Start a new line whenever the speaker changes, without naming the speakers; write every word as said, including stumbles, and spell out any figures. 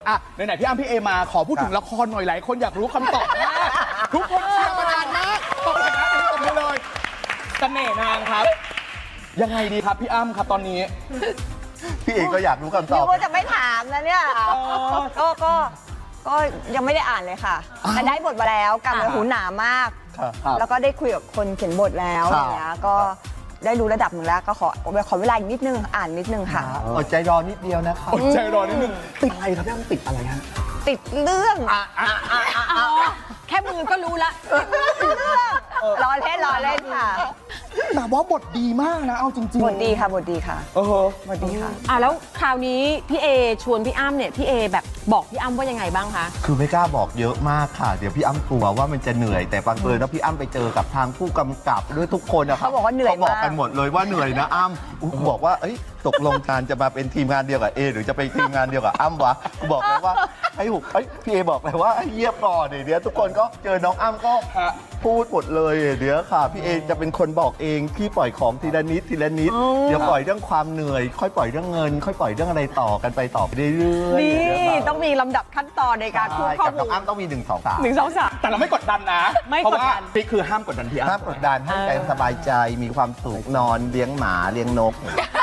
อ่ะไหนๆพี่อ้ำพี่เอมาขอพูดถึงละครหน่อยหลายคนอยากรู้คำตอบมากทุกคนเชียร์มานานมากตอบเลยนะตอบไปเลยเสน่ห์นางครับ ยังไงดีครับพี่อ้ำครับตอนนี้
พี่เอกก็อยากรู้คำต
นึ
อบ
กว่าจะไม่ถามนะเนี่ยก็ก็ก็ยังไม่ได้อ่านเลยค่ะแต่ได้บทมาแล้วกำเลยหูหนามาก
ครับ
แล้วก็ได้คุยกับคนเขียนบทแล้ว
ค
อ
รับ
ย่างเงี้ยก็ได้รู้ระดับหนึ่งแล้วก็ขอขอเวลาอีกนิดนึงอ่านนิดนึงค่ะ
อดใจรอนิดเดียวนะคะ
อดใจรอนิดนึงติดอะไรครับพี่อ้ำติดอะไรฮะ
ติดเรื่อง
แค่มือก็รู้ละ
รอเล่นรอเล่นค่ะ
แต่ว่าบทดีมากนะเอาจริงๆ
บทดีค่ะบทดีค่ะ
เออบ
ทดีค่ะ
อ่ะแล้วคราวนี้พี่เอชวนพี่อ้ำเนี่ยพี่เอแบบบอกพี่อ้ำว่ายังไงบ้างคะ
คือไม่กล้าบอกเยอะมากค่ะ เดี๋ยวพี่อ้ำกลัวว่ามันจะเหนื่อยแต่บังเอิญว่าพี่อ้ำไปเจอกับทางผู้กำกับด้วยทุกคนนะครับ
เขาบอกว่าเหนื่อย
เขาบอก
มาก
กันหมดเลยว่าเหนื่อยนะอ้ำอุ๊ยบอกว่าเอ้ยตกลงการจะมาเป็นทีมงานเดียวกับเอหรือจะไปทีมงานเดียวกับอ้ำวะกูบอกเลยว่าให้หุบเอ้ยพี่เอบอกเลยว่าให้เยียบก่อนเดี๋ยวทุกคนก็เจอน้องอ้ำก็
ฮะ
พูดหมดเลยเดี๋ยวค่ะพี่เอจะเป็นคนบอกเองพี่ปล่อยของทีละนิดทีละนิดเดี๋ยวปล่อยเรื่องความเหนื่อย ค่อยปล่อยเรื่องเงิน ค่อยปล่อยเรื่องอะไรต่อกันไปต่อไปเรื่อยๆ
นี่
เดี๋ยวค่ะ
ต้องมีลำดับขั้นตอนในการพูด
ใช่
ข้อ
กับ
มู
น้อ
ล
งอ้ำต้องมีหนึ่งสองสาม
หนึ่งสองสาม
แต่เราไม่กดดันนะ
ไม่
เพราะ
กด
ว่า
ดัน
พี่คือห้ามกดดันพี่อ้ำ
ห้ามกดดันให้ใจสบายใจมีความสุขนอนเลี้ยงหมาเลี้ยงนก